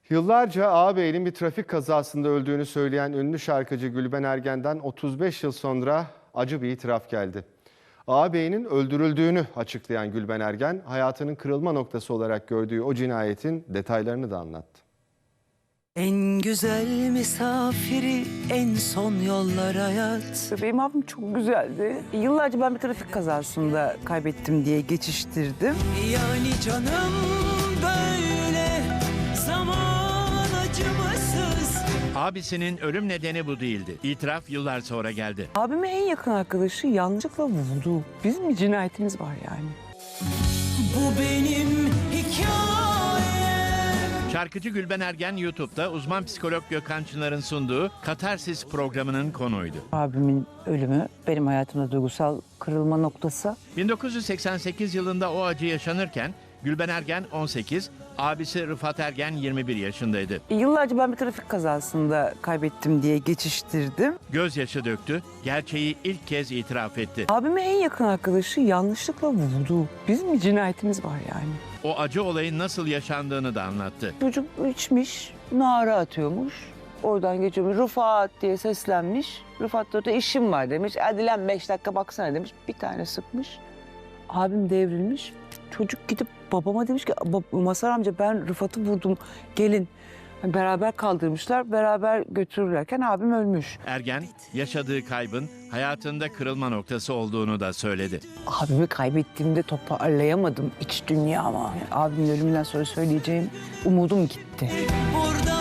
Yıllarca ağabeyinin bir trafik kazasında öldüğünü söyleyen ünlü şarkıcı Gülben Ergen'den 35 yıl sonra acı bir itiraf geldi. Ağabeyinin öldürüldüğünü açıklayan Gülben Ergen, hayatının kırılma noktası olarak gördüğü o cinayetin detaylarını da anlattı. En güzel misafiri en son yollar hayat. Benim abim çok güzeldi. Yıllarca ben bir trafik kazasında kaybettim diye geçiştirdim. Yani canım böyle zaman acımasız. Abisinin ölüm nedeni bu değildi. İtiraf yıllar sonra geldi. Abimin en yakın arkadaşı yanlışlıkla vurdu. Bizim bir cinayetimiz var yani. Bu benim hikayem. Şarkıcı Gülben Ergen YouTube'da uzman psikolog Gökhan Çınar'ın sunduğu Katarsis programının konuğuydu. Abimin ölümü benim hayatımda duygusal kırılma noktası. 1988 yılında o acı yaşanırken Gülben Ergen 18, abisi Rıfat Ergen 21 yaşındaydı. Yıllarca ben bir trafik kazasında kaybettim diye geçiştirdim. Gözyaşı döktü, gerçeği ilk kez itiraf etti. Abimin en yakın arkadaşı yanlışlıkla vurdu. Bizim bir cinayetimiz var yani. O acı olayın nasıl yaşandığını da anlattı. Çocuk içmiş, nara atıyormuş. Oradan geçiyormuş. Rıfat diye seslenmiş. Rıfat da orada işim var demiş. Hadi lan 5 dakika baksana demiş. Bir tane sıkmış. Abim devrilmiş. Çocuk gidip babama demiş ki Mazhar amca ben Rıfat'ı vurdum. Gelin. Yani beraber kaldırmışlar. Beraber götürürlerken abim ölmüş. Ergen, yaşadığı kaybın hayatında kırılma noktası olduğunu da söyledi. Abimi kaybettiğimde toparlayamadım iç dünyama. Yani abimin ölümünden sonra söyleyeceğim umudum gitti. Burada